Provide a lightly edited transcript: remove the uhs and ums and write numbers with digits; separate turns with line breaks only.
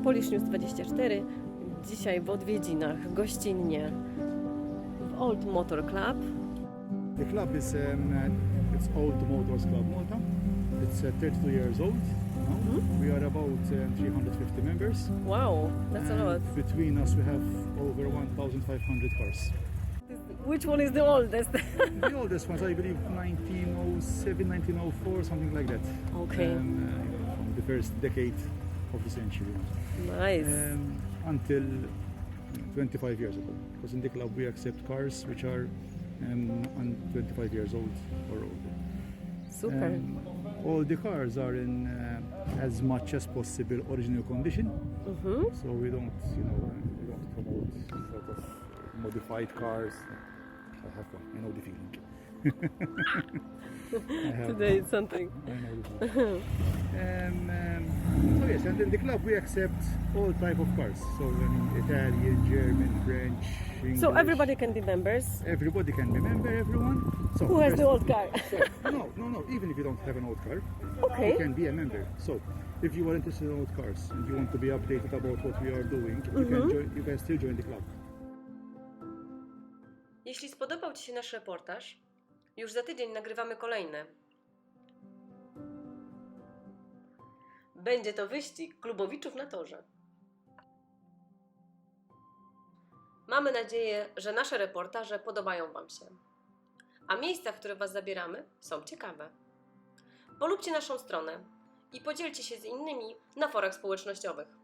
Polish News 24. Dzisiaj w odwiedzinach, gościnnie w Old Motor Club.
The club is it's Old Motors Club Malta. It's 32 years old now. We are about 350 members.
Wow, that's a lot.
And between us we have over 1,500 cars.
Which one is the oldest?
The oldest ones, I believe, 1907, 1904, something like that.
Okay.
From the first decade of the century.
Nice.
Until 25 years ago. Because in the club we accept cars which are 25 years old or older.
Super.
All the cars are in as much as possible original condition. So we don't, we don't promote sort of modified cars. I have one. I know the feeling.
Today it's something.
I know the feeling. So yes, and in the club we accept all type of cars. So Italian, German, French, English.
So everybody can be members.
Everybody can be member, everyone. So
Who has
first-
the old car?
No. Even if you don't have an old car,
Okay.
you can be a member. So if you are interested in old cars and you want to be updated about what we are doing, you can still join the club.
Jeśli spodobał Ci się nasz reportaż, już za tydzień nagrywamy kolejny. Będzie to wyścig klubowiczów na torze. Mamy nadzieję, że nasze reportaże podobają Wam się. A miejsca, w które Was zabieramy, są ciekawe. Polubcie naszą stronę i podzielcie się z innymi na forach społecznościowych.